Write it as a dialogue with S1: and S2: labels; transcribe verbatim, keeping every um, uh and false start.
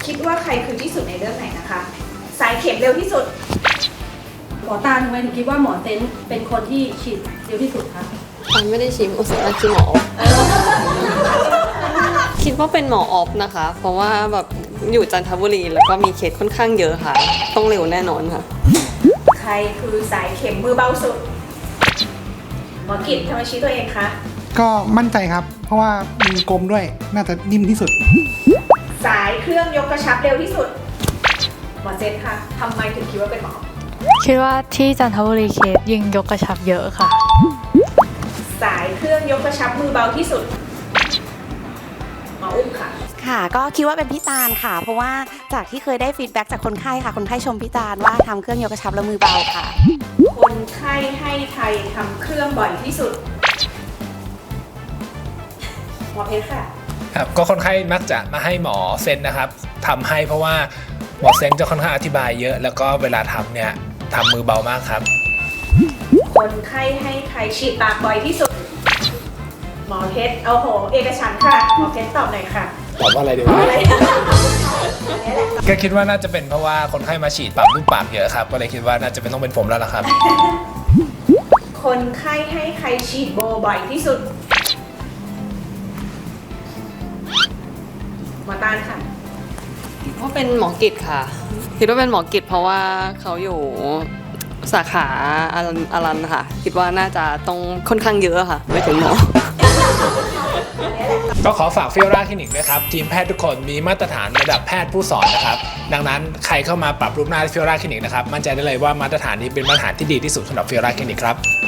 S1: คิดว่าใครคือที่สุดในเรื่องไหนนะคะ สายเข็มเร็วที่สุด
S2: หมอตาทำไมถึงคิดว่าหมอเซนเป็นคนที่ฉีดเร็วที่สุดคะ
S3: อันไม่ได้ชิมอุตส่าห์ชิมหมอ คิดว่าเป็นหมอออฟนะคะ เพราะว่าแบบอยู่จันทบุรีแล้วก็มีเคสค่อนข้างเยอะค่ะ ต้องเร็วแน่นอนค่ะ
S1: ใครคือสายเข็มมือเบาสุด หมอกิจทำไมชี้ตัวเองคะ
S4: ก็มั่นใจครับ เพราะว่ามือกลมด้วยน่าจะนิ่มที่สุด
S1: สายเครื่องยกกระชับเร็วที่สุด หมอเซนค่ะทำไมถึงคิดว่าเป็นหมอ
S5: คิดว่าที่จันทบุรีเคสยิงยกกระชับเยอะค่ะ
S1: สายเครื่องยกกระชับมือเบาที่สุด หมออุ้มค่ะ
S6: ค่ะก็คิดว่าเป็นพี่ตาลค่ะ เพราะว่าจากที่เคยได้ฟีดแบ็กจากคนไข้ค่ะ คนไข้ชมพี่ตาลว่าทำเครื่องยกกระชับและมือเบาค่ะ
S1: คนไข้ให้ไทยทำเครื่องบ่อยที่สุด หมอเพชรค่ะ
S7: ครับก็คนไข้มักจะมาให้หมอเซนนะครับทำให้เพราะว่าหมอเซนจะค่อนข้างอธิบายเยอะ แล้วก็เวลาทำเนี่ยทำมือเบามากครับ
S1: คนไข้ให้ใครฉีดปากบ่อยที่สุด หมอเพชรเอาโหเอกฉันท์ค่ะ หมอเพชรตอบหน่อยค่ะ
S7: ตอบว่าอะไรดี
S1: อะไร
S7: ก็คิดว่าน่าจะเป็นเพราะว่าคนไข้มาฉีดปรับรูปปากเยอะครับก็เลยคิดว่าน่าจะเป็นต้องเป็นผมแล้วล่ะครับ
S1: คนไข้ให้ใครฉีดโบบ่อยที่สุด หมอตาลค่ะ
S3: คิดว่าเป็นหมอกิจค่ะ คิดว่าเป็นหมอกิจเพราะว่าเขาอยู่สาขาอารันอารันค่ะ คิดว่าน่าจะต้องค่อนข้างเยอะค่ะ ไม่ถึงหมอ
S7: ก็ขอฝากฟิโอราคลินิกด้วยครับทีมแพทย์ทุกคนมีมาตรฐานระดับแพทย์ผู้สอนนะครับดังนั้นใครเข้ามาปรับรูปหน้าฟิโอราคลินิกนะครับมั่นใจได้เลยว่ามาตรฐานนี้เป็นมาตรฐานที่ดีที่สุดสำหรับฟิโอราคลินิกครับ